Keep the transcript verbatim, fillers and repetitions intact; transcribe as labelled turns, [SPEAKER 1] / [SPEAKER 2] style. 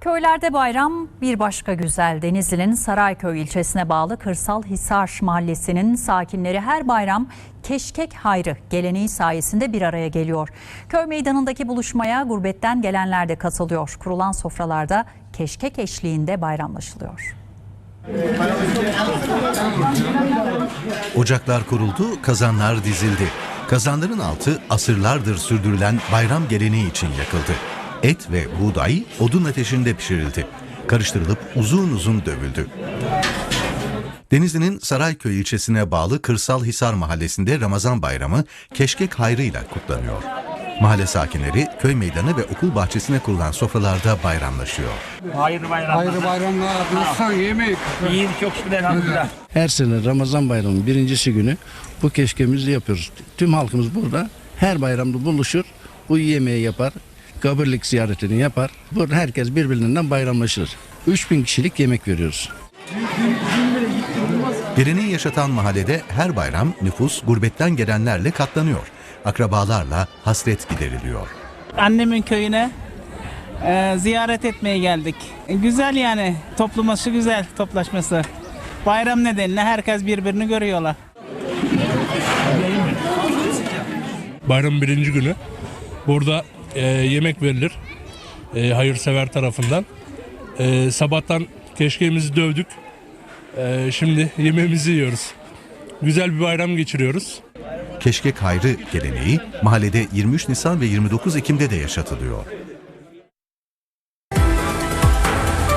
[SPEAKER 1] Köylerde bayram bir başka güzel. Denizli'nin Sarayköy ilçesine bağlı Kırsal Hisar Mahallesi'nin sakinleri her bayram keşkek hayrı geleneği sayesinde bir araya geliyor. Köy meydanındaki buluşmaya gurbetten gelenler de katılıyor. Kurulan sofralarda keşkek eşliğinde bayramlaşılıyor.
[SPEAKER 2] Ocaklar kuruldu, kazanlar dizildi. Kazanların altı asırlardır sürdürülen bayram geleneği için yakıldı. Et ve buğday odun ateşinde pişirildi. Karıştırılıp uzun uzun dövüldü. Denizli'nin Sarayköy ilçesine bağlı Kırsal Hisar Mahallesi'nde Ramazan Bayramı keşkek hayrıyla kutlanıyor. Mahalle sakinleri köy meydanı ve okul bahçesine kurulan sofralarda bayramlaşıyor.
[SPEAKER 3] Hayırlı bayramlar.
[SPEAKER 4] Hayırlı bayramlar. Nasılsın? Yemek.
[SPEAKER 3] İyi, çok şükür elhamdülillah.
[SPEAKER 5] Her sene Ramazan Bayramı'nın birincisi günü bu keşkemizi yapıyoruz. Tüm halkımız burada her bayramda buluşur, bu yemeği yapar, kabirlik ziyaretini yapar. Burada herkes birbirinden bayramlaşır. üç bin kişilik yemek veriyoruz.
[SPEAKER 2] Geleneği yaşatan mahallede her bayram nüfus gurbetten gelenlerle katlanıyor. Akrabalarla hasret gideriliyor.
[SPEAKER 6] Annemin köyüne e, ziyaret etmeye geldik. E, güzel yani, toplaması güzel, toplaşması. Bayram nedeniyle herkes birbirini görüyorlar.
[SPEAKER 7] Bayramın birinci günü burada e, yemek verilir e, hayırsever tarafından. E, sabahtan keşkeğimizi dövdük. E, şimdi yemeğimizi yiyoruz. Güzel bir bayram geçiriyoruz.
[SPEAKER 2] Keşkek hayrı geleneği mahallede yirmi üç Nisan ve yirmi dokuz Ekim'de de yaşatılıyor.